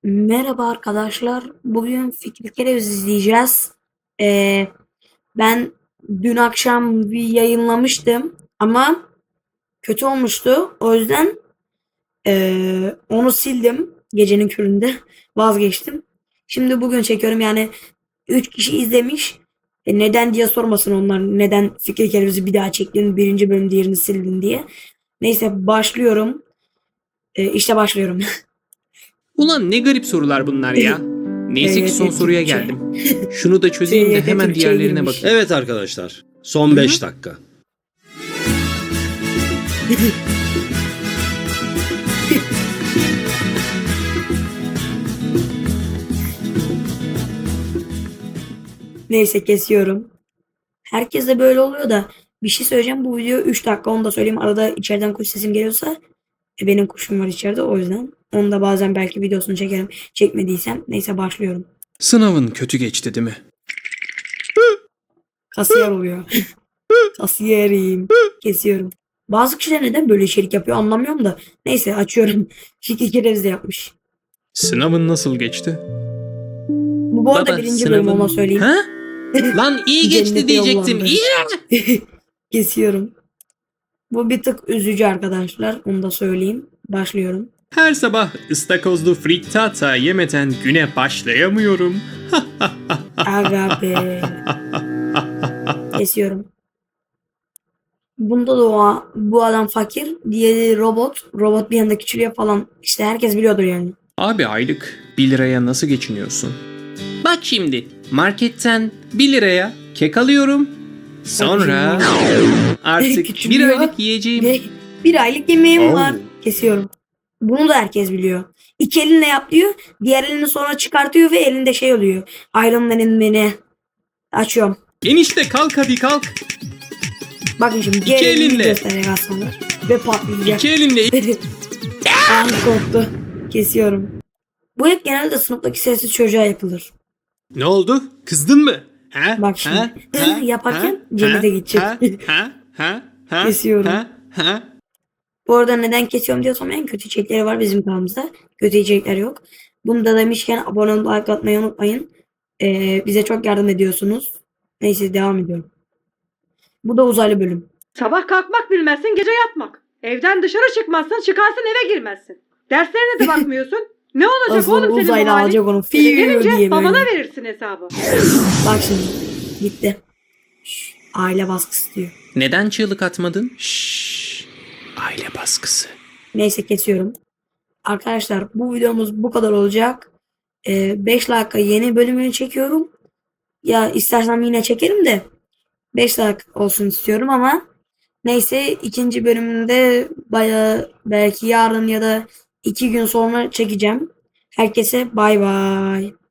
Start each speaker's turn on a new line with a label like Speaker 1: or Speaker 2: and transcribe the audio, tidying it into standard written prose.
Speaker 1: Merhaba arkadaşlar. Bugün Fikri Kereviz izleyeceğiz. Ee, Ben dün akşam bir yayınlamıştım ama kötü olmuştu. O yüzden onu sildim. Gecenin köründe vazgeçtim. Şimdi bugün çekiyorum. Yani 3 kişi izlemiş. Neden diye sormasın onlar. Neden Fikri Kereviz'i bir daha çektin? Birinci bölüm diğerini sildin diye. Neyse başlıyorum. İşte başlıyorum.
Speaker 2: Ulan ne garip sorular bunlar ya. Neyse ki son
Speaker 1: TYT
Speaker 2: soruya
Speaker 1: Türkçe.
Speaker 2: geldim. Şunu da çözeyim de
Speaker 1: TYT
Speaker 2: hemen
Speaker 1: Türkçe'ye
Speaker 2: diğerlerine
Speaker 1: girmiş.
Speaker 2: bakayım.
Speaker 3: Evet arkadaşlar. Son 5 dakika.
Speaker 1: Neyse kesiyorum. Herkes böyle oluyor da bir şey söyleyeceğim. Bu video 3 dakika, onu da söyleyeyim. Arada içeriden kuş sesim geliyorsa benim kuşum var içeride, o yüzden. Onu da bazen belki videosunu çekerim. Çekmediysem. Neyse başlıyorum.
Speaker 2: Sınavın kötü geçti değil mi?
Speaker 1: Kasiyer oluyor. Kasiyerim. Kesiyorum. Bazı kişiler neden böyle içerik yapıyor anlamıyorum da. Neyse açıyorum. Fikri Kereviz de yapmış.
Speaker 2: Sınavın nasıl geçti?
Speaker 1: Bu arada birinci bölüm, ona söyleyeyim.
Speaker 2: Ha? Lan iyi geçti
Speaker 1: Cennete
Speaker 2: diyecektim.
Speaker 1: yollandı.
Speaker 2: İyi.
Speaker 1: Kesiyorum. Bu bir tık üzücü arkadaşlar. Onu da söyleyeyim. Başlıyorum.
Speaker 2: Her sabah ıstakozlu frittata yemeden güne başlayamıyorum.
Speaker 1: Aga be. Kesiyorum. Bunda da bu adam fakir. Diğeri robot. Robot bir anda küçülüyor falan. İşte herkes biliyordur yani.
Speaker 2: Abi aylık 1 liraya nasıl geçiniyorsun? Bak şimdi marketten 1 liraya kek alıyorum. Sonra artık bir
Speaker 1: Küçülüyor.
Speaker 2: aylık yiyeceğim.
Speaker 1: Ve bir aylık yemeğim
Speaker 2: Oh.
Speaker 1: var. Kesiyorum. Bunu da herkes biliyor. İki elinle yap diyor. Diğer elini sonra çıkartıyor ve elinde şey oluyor. Iron Man'in beni. Açıyorum.
Speaker 2: Enişte kalk hadi kalk.
Speaker 1: Bakın şimdi
Speaker 2: İki
Speaker 1: diğer elini
Speaker 2: elinle.
Speaker 1: gösterecek aslında. Ve patlayacak.
Speaker 2: İki elinle.
Speaker 1: Ah, korktu. Kesiyorum. Bu hep genelde sınıftaki sessiz çocuğa yapılır.
Speaker 2: Ne oldu? Kızdın mı? Ha?
Speaker 1: Bak şimdi. Yaparken cennete gidecek.
Speaker 2: Ha?
Speaker 1: Kesiyorum.
Speaker 2: Ha?
Speaker 1: Bu arada neden kesiyorum diye sormayın. Kötü içerikleri var bizim kanalımızda. Kötü içerikler yok. Bunu da demişken abone olup like atmayı unutmayın. Bize çok yardım ediyorsunuz. Neyse devam ediyorum. Bu da uzaylı bölüm.
Speaker 4: Sabah kalkmak bilmezsin, gece yatmak. Evden dışarı çıkmazsın, çıkarsın eve girmezsin. Derslerine de bakmıyorsun. Ne olacak
Speaker 1: Asıl
Speaker 4: oğlum senin
Speaker 1: uzaylı
Speaker 4: bu halin?
Speaker 1: alacak onu.
Speaker 4: Eve
Speaker 1: Fiu
Speaker 4: gelince
Speaker 1: diye
Speaker 4: babana
Speaker 1: böyle.
Speaker 4: verirsin hesabı.
Speaker 1: Bak şimdi. Gitti. Aile baskısı diyor.
Speaker 2: Neden çığlık atmadın? Şşş. Aile baskısı.
Speaker 1: Neyse kesiyorum. Arkadaşlar bu videomuz bu kadar olacak. 5 dakika yeni bölümünü çekiyorum. Ya istersem yine çekerim de 5 dakika olsun istiyorum ama neyse, ikinci bölümünde baya belki yarın ya da 2 gün sonra çekeceğim. Herkese bay bay.